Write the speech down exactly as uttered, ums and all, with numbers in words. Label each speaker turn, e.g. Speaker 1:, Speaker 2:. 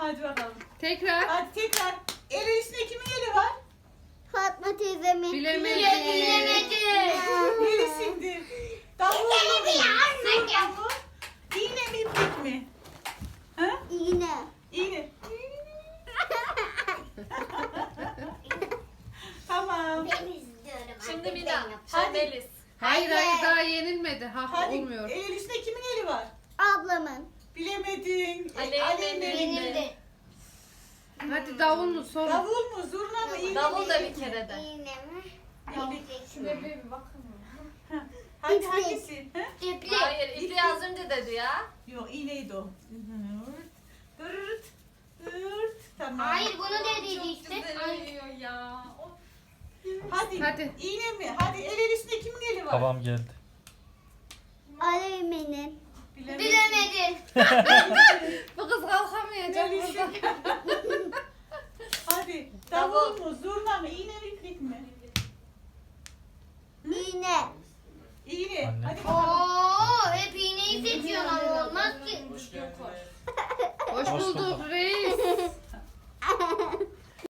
Speaker 1: Hadi bakalım.
Speaker 2: Tekrar.
Speaker 1: Hadi tekrar. El üstünde kimin eli var?
Speaker 3: Fatma teyzemin.
Speaker 2: Bilemedim.
Speaker 1: Neresinde? Davul mu? Zurna mı? İğne mi iplik mi? Ha?
Speaker 3: İğne.
Speaker 1: İğne. Tamam.
Speaker 3: Ben istiyorum.
Speaker 4: Şimdi
Speaker 3: artık
Speaker 4: bir
Speaker 3: ben
Speaker 4: daha.
Speaker 3: yapacağım.
Speaker 4: Şimdi Melis.
Speaker 2: Hayır
Speaker 3: Hayır.
Speaker 2: hayır daha yenilmedi. Ha
Speaker 1: Hadi.
Speaker 2: olmuyor.
Speaker 1: El üstünde kimin eli var?
Speaker 3: Ablamın.
Speaker 1: Bilemedin.
Speaker 4: Aleyna
Speaker 1: Aleyna
Speaker 4: benim
Speaker 1: elinde.
Speaker 4: de.
Speaker 2: Hadi davul mu son?
Speaker 1: Davul mu? Zurna mı? İğne mi?
Speaker 4: Davul da
Speaker 1: iplik
Speaker 4: bir
Speaker 1: mi?
Speaker 4: kere de.
Speaker 3: İğne mi?
Speaker 1: İplik.
Speaker 4: Şuraya bir bakın.
Speaker 1: Hadi
Speaker 3: İplik.
Speaker 1: hangisi? Ha?
Speaker 3: İplik.
Speaker 4: Hayır, ipliği az önce dedi ya.
Speaker 1: Yok iğneydi o. Dırt. Dırt. Tamam.
Speaker 3: Hayır bunu dediydi işte. Ay.
Speaker 4: uyuyor ya. Of.
Speaker 1: Hadi.
Speaker 2: Hadi.
Speaker 1: İğne mi? Hadi el el üstünde kimin eli var?
Speaker 5: Babam geldi.
Speaker 3: Aleyna'nın.
Speaker 1: Bilemedin.
Speaker 3: Bilemedin.
Speaker 2: Bu kız kalkamayacak
Speaker 1: Neresi?
Speaker 2: burada.
Speaker 1: Hadi.
Speaker 4: Davul.
Speaker 1: Davul mu? Zurna mı? İğne mi? iplik mi?
Speaker 3: İğne.
Speaker 1: İğne.
Speaker 5: Anne.
Speaker 1: Hadi bakalım.
Speaker 3: Oo, hep iğneyi seçiyorsun ama olmaz ki.
Speaker 2: Hoş bulduk reis.